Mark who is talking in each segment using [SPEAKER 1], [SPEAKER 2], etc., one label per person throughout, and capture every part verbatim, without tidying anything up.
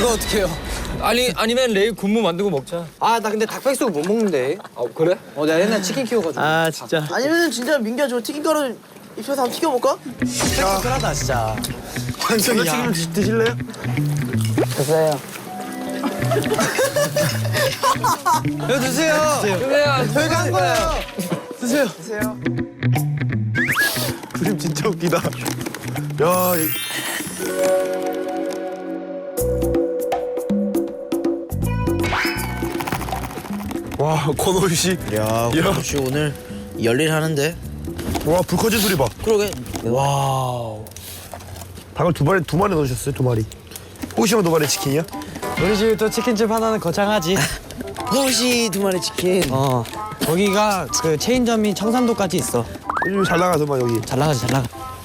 [SPEAKER 1] 그거 어떡해요?
[SPEAKER 2] 아니 아니면 내일 군무 만들고 먹자.
[SPEAKER 1] 아 나 근데 닭백숙 못 먹는데.
[SPEAKER 2] 아 그래?
[SPEAKER 1] 어 내가 옛날 치킨 키워가지고.
[SPEAKER 3] 아 진짜.
[SPEAKER 4] 아니면 진짜 민규야 저 튀김가루 입혀서 한번 튀겨볼까?
[SPEAKER 1] 씁쓸하다 진짜.
[SPEAKER 3] 완전히 야. 드, 드실래요?
[SPEAKER 1] 드세요. 이거 드세요.
[SPEAKER 2] 그래야
[SPEAKER 1] 저희가 한 거예요.
[SPEAKER 3] 드세요.
[SPEAKER 4] 드세요.
[SPEAKER 3] 그림 진짜 웃기다. 야. 이... 와 권호희 씨.
[SPEAKER 5] 야, 혹시 오늘 열일 하는데?
[SPEAKER 3] 와 불 꺼진 소리 봐.
[SPEAKER 5] 그러게.
[SPEAKER 1] 와우.
[SPEAKER 3] 닭을 두 마리 두 마리 넣으셨어요 두 마리. 호시만 두 마리 치킨이야?
[SPEAKER 1] 우리 집에 또 치킨집 하나는 거창하지.
[SPEAKER 5] 호시 두 마리 치킨.
[SPEAKER 1] 어. 거기가 그 체인점이 청산도까지 있어.
[SPEAKER 3] 요즘 잘 나가서만 여기.
[SPEAKER 1] 잘 나가지 잘 나가.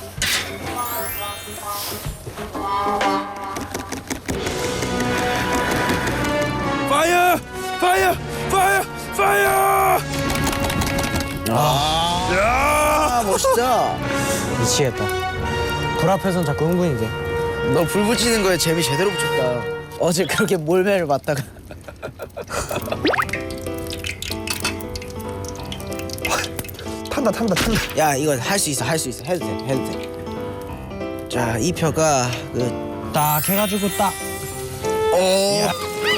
[SPEAKER 3] 파이어! 파이어! 파이어! 파이어!
[SPEAKER 5] 아,
[SPEAKER 3] 야!
[SPEAKER 5] 멋있다.
[SPEAKER 1] 미치겠다. 불 앞에선 자꾸 흥분이 돼.
[SPEAKER 5] 너 불 붙이는 거에 재미 제대로 붙였다. 어제 그렇게 몰매를 맞다가.
[SPEAKER 3] 탄다 탄다 탄다.
[SPEAKER 5] 야, 이거 할 수 있어, 할 수 있어. 해도 돼, 해도 돼. 자, 이 표가 그.
[SPEAKER 1] 딱 해가지고 딱.
[SPEAKER 5] 어.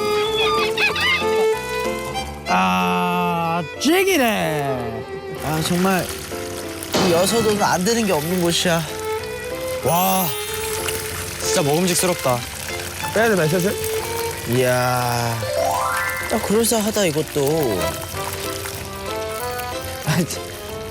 [SPEAKER 1] 아 찌기네.
[SPEAKER 5] 아, 정말 이 여서도는 안 되는 게 없는 곳이야.
[SPEAKER 1] 와 진짜 먹음직스럽다.
[SPEAKER 3] 빼야 되나 슬슬?
[SPEAKER 5] 이야. 딱 그럴싸하다 이것도. 아, 참.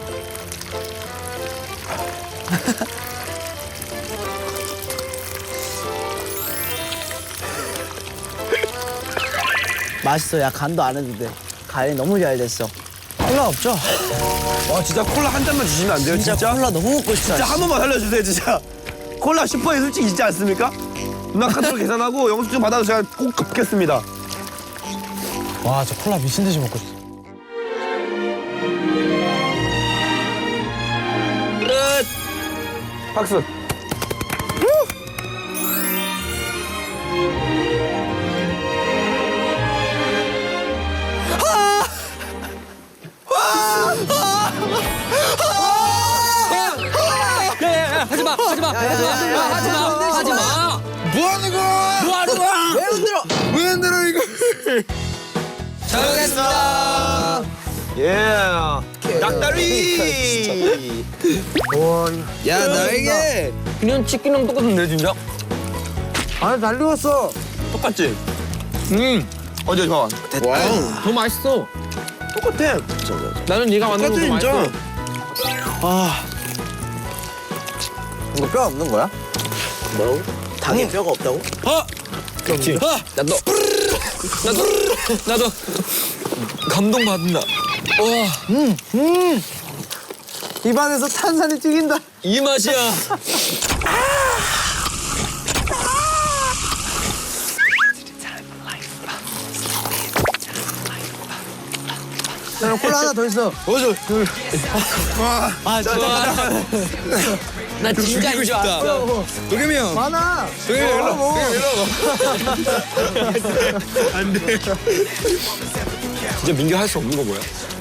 [SPEAKER 5] 맛있어. 야, 간도 안 해도 돼. 간이 너무 잘 됐어.
[SPEAKER 1] 콜라 없죠?
[SPEAKER 3] 와 진짜 콜라 한 잔만 주시면 안 돼요
[SPEAKER 5] 진짜,
[SPEAKER 3] 진짜?
[SPEAKER 5] 콜라 너무 먹고 싶다.
[SPEAKER 3] 진짜 한 번만 살려주세요 진짜. 콜라 슈퍼에 솔직히 있지 않습니까? 누나 카드로 계산하고 영수증 받아서 제가 꼭 갚겠습니다.
[SPEAKER 1] 와 저 콜라 미친 듯이 먹고 싶어.
[SPEAKER 3] 박수.
[SPEAKER 2] 야야야 하지마 하지마 하지마 하지마 하지마.
[SPEAKER 5] 뭐 하는 거야?
[SPEAKER 2] 뭐 하는 거야?
[SPEAKER 5] 왜 흔들어?
[SPEAKER 3] 왜 흔들어 이거?
[SPEAKER 2] 잘 먹겠습니다.
[SPEAKER 3] 예. 닭다리. 와.
[SPEAKER 5] 야, 나에게.
[SPEAKER 2] 그냥 치킨이랑 똑같은데 진짜?
[SPEAKER 1] 아니 잘 익었어.
[SPEAKER 3] 똑같지? 음. 어디 봐.
[SPEAKER 5] 와우.
[SPEAKER 2] 더 맛있어.
[SPEAKER 3] 똑같아.
[SPEAKER 2] 나는 네가 만든 거 더
[SPEAKER 3] 똑같아
[SPEAKER 2] 맛있어.
[SPEAKER 3] 진짜.
[SPEAKER 5] 아,
[SPEAKER 1] 이거 뼈 없는 거야?
[SPEAKER 5] 뭐라고? 닭에 뼈가 없다고?
[SPEAKER 2] 그렇지. 나도 나도 나도 감동 받는다. 와,
[SPEAKER 1] 입안에서 탄산이 튀긴다.
[SPEAKER 2] 이 맛이야.
[SPEAKER 1] 자, 콜라 하나 더 있어.
[SPEAKER 3] 어저.
[SPEAKER 1] 아 진짜.
[SPEAKER 2] 나 진짜 이거 싶다.
[SPEAKER 3] 도겸이 형.
[SPEAKER 1] 많아.
[SPEAKER 3] 도겸이 형 일로. 도겸이 일로. 안 돼.
[SPEAKER 2] 진짜 민규 할 수 없는 거 뭐야?